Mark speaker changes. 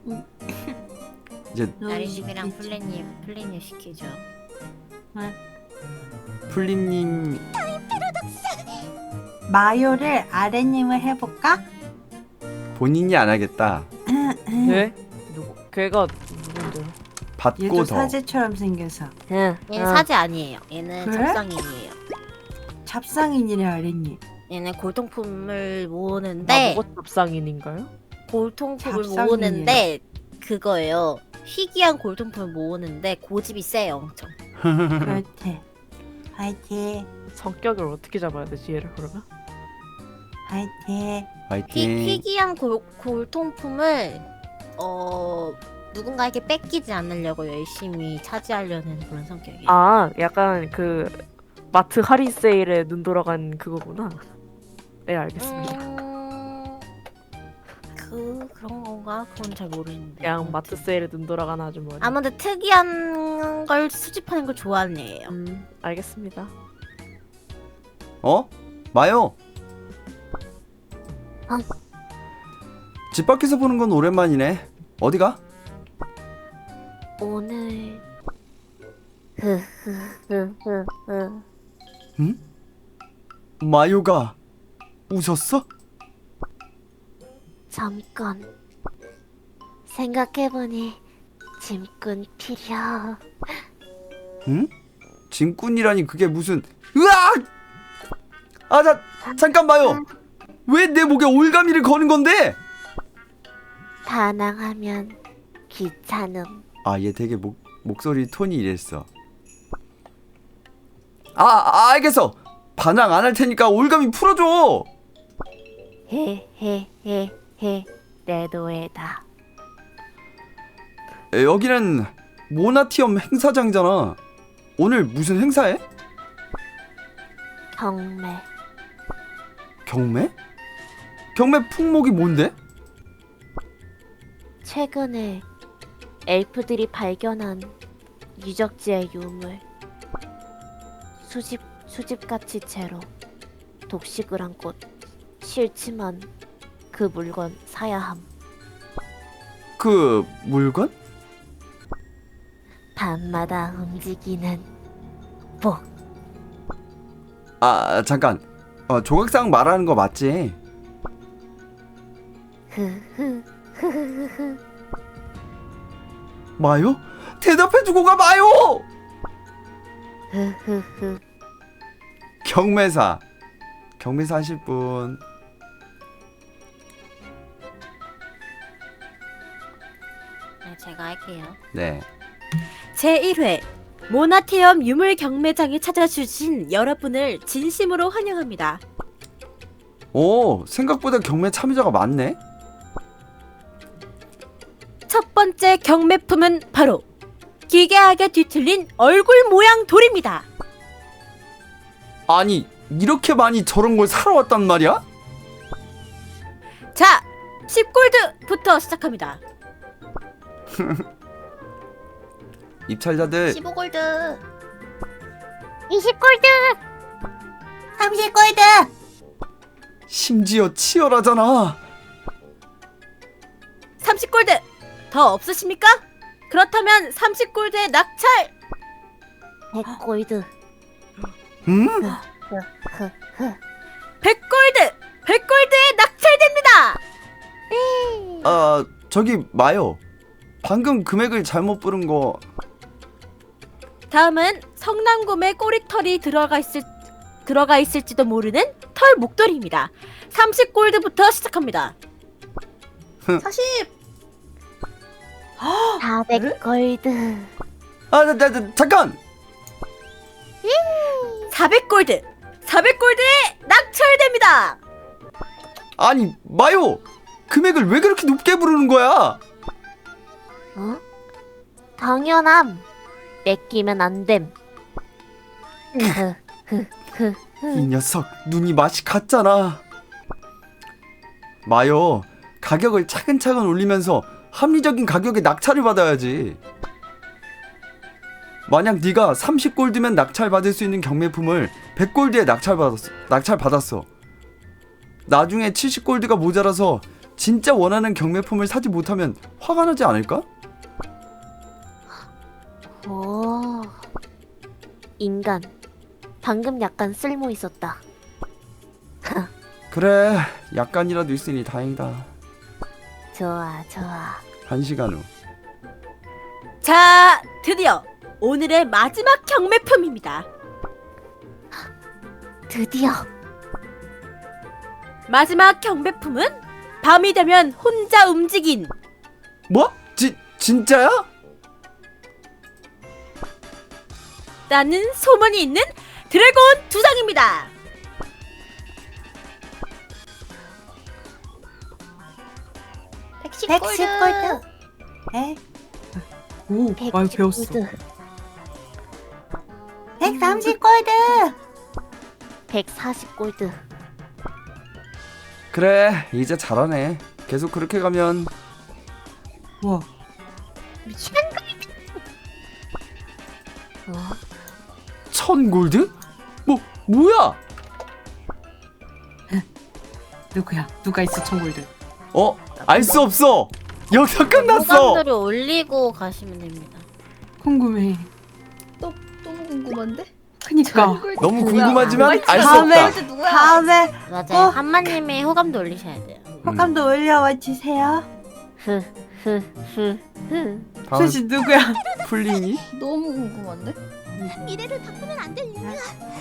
Speaker 1: 이제
Speaker 2: 나리님이랑 플래님 시키죠.
Speaker 1: 플리님
Speaker 3: 마요를 아래님을 해볼까?
Speaker 1: 본인이 안 하겠다.
Speaker 4: 네? 누구? 걔가 누군데요?
Speaker 1: 받고
Speaker 3: 얘도
Speaker 1: 더.
Speaker 3: 사제처럼 생겨서
Speaker 4: 응.
Speaker 2: 얘는 사제 아니에요. 얘는
Speaker 3: 그래?
Speaker 2: 잡상인이에요.
Speaker 3: 잡상인이래 아래님.
Speaker 2: 얘는 골동품을
Speaker 4: 나
Speaker 2: 모으는데
Speaker 4: 뭐가 잡상인인가요?
Speaker 2: 골동품을
Speaker 3: 잡상인이에요.
Speaker 2: 모으는데 그거예요. 희귀한 골동품을 모으는데 고집이 세요 엄청.
Speaker 3: 그렇대. 화이팅
Speaker 4: 성격을 어떻게 잡아야 되지 얘를 그러면?
Speaker 3: 화이팅.
Speaker 1: 화이팅.
Speaker 2: 희귀한 골동품을 누군가에게 뺏기지 않으려고 열심히 차지하려는 그런 성격이에요.
Speaker 4: 아 약간 그 마트 할인 세일에 눈 돌아간 그거구나. 네 알겠습니다.
Speaker 2: 그런 건가? 그건 잘 모르겠는데.
Speaker 4: 그냥 마트 세일에 눈 돌아간 아주머니.
Speaker 2: 아무튼 특이한 걸 수집하는 걸 좋아하는 애예요.
Speaker 4: 알겠습니다.
Speaker 1: 어? 마요. 집 밖에서 보는 건 오랜만이네. 어디가?
Speaker 2: 오늘
Speaker 1: 응? 마요가 웃었어?
Speaker 2: 잠깐 생각해보니 짐꾼 필요.
Speaker 1: 응? 짐꾼이라니 그게 무슨? 으악! 아, 잠깐 마요. 왜 내 목에 올가미를 거는 건데?
Speaker 2: 반항하면 귀찮음.
Speaker 1: 아, 얘 되게 목소리 톤이 이랬어. 알겠어. 반항 안 할 테니까 올가미 풀어줘.
Speaker 2: 헤헤헤헤 내 노예다.
Speaker 1: 여기는 모나티엄 행사장이잖아. 오늘 무슨 행사해?
Speaker 2: 경매.
Speaker 1: 경매? 경매 품목이 뭔데?
Speaker 2: 최근에 엘프들이 발견한 유적지의 유물. 수집 가치채로 독식을 한 곳. 싫지만 그 물건 사야 함.
Speaker 1: 그 물건?
Speaker 2: 밤마다 움직이는 복.
Speaker 1: 아, 잠깐. 조각상 말하는 거 맞지? 마요? 대답해주고 가 마요! 경매사 하실 분.
Speaker 2: 네, 제가 할게요.
Speaker 1: 네.
Speaker 2: 제1회 모나티엄 유물 경매장에 찾아주신 여러분을 진심으로 환영합니다.
Speaker 1: 오, 생각보다 경매 참여자가 많네.
Speaker 2: 첫 번째 경매품은 바로 기괴하게 뒤틀린 얼굴 모양 돌입니다.
Speaker 1: 아니, 이렇게 많이 저런 걸 사러 왔단 말이야?
Speaker 2: 자, 10골드부터 시작합니다.
Speaker 1: 입찰자들
Speaker 2: 15골드,
Speaker 3: 20골드 30골드
Speaker 1: 심지어 치열하잖아.
Speaker 2: 30골드 더 없으십니까? 그렇다면 30골드의 낙찰. 100골드,
Speaker 1: 응?
Speaker 2: 100골드, 100골드에 낙찰됩니다.
Speaker 1: 저기 마요. 방금 금액을 잘못 부른 거.
Speaker 2: 다음은 성남곰의 꼬리털이 들어가 있을지도 모르는 털 목도리입니다. 30골드부터 시작합니다. 40 400골드,
Speaker 1: 잠깐.
Speaker 2: 400골드, 400골드에 낙찰됩니다.
Speaker 1: 아니, 마요. 금액을 왜 그렇게 높게 부르는 거야?
Speaker 2: 당연함. 뺏기면 안 됨.
Speaker 1: 이 녀석 눈이 맛이 갔잖아. 마요, 가격을 차근차근 올리면서 합리적인 가격에 낙찰을 받아야지. 만약 네가 30골드면 낙찰받을 수 있는 경매품을 100골드에 낙찰받았어. 나중에 70골드가 모자라서 진짜 원하는 경매품을 사지 못하면 화가 나지 않을까?
Speaker 5: 오, 인간. 방금 약간 쓸모 있었다.
Speaker 1: 그래, 약간이라도 있으니 다행이다.
Speaker 5: 좋아, 좋아.
Speaker 1: 1시간 후.
Speaker 2: 자, 드디어 오늘의 마지막 경매품입니다.
Speaker 5: 드디어.
Speaker 2: 마지막 경매품은 밤이 되면 혼자 움직인
Speaker 1: 뭐? 진짜야?
Speaker 2: 라는 소문이 있는 드래곤 두상입니다.
Speaker 3: 백십 골드. 에? 오, 많이 배웠어. 130 골드.
Speaker 5: 140골드.
Speaker 1: 그래, 이제 잘하네. 계속 그렇게 가면
Speaker 3: 와,
Speaker 5: 어?
Speaker 1: 1000골드? 뭐야?
Speaker 3: 누구야? 누가 있어 1000골드?
Speaker 1: 알 수 없어. 여기서 끝났어.
Speaker 2: 호감도를 올리고 가시면 됩니다.
Speaker 3: 궁금해.
Speaker 6: 또 궁금한데?
Speaker 3: 그니까.
Speaker 1: 너무
Speaker 6: 누구야?
Speaker 1: 궁금하지만 알 수
Speaker 3: 다음에
Speaker 1: 없다.
Speaker 6: 누구야?
Speaker 3: 다음에
Speaker 2: 맞아요. 한마님이 호감도 올리셔야 돼요.
Speaker 3: 호감도 올려와 주세요.
Speaker 5: 흐흐흐흐.
Speaker 1: 다음
Speaker 3: 수지 누구야?
Speaker 1: 풀링이?
Speaker 6: 너무 궁금한데?
Speaker 5: 미래를 바꾸면 안 될 일이야.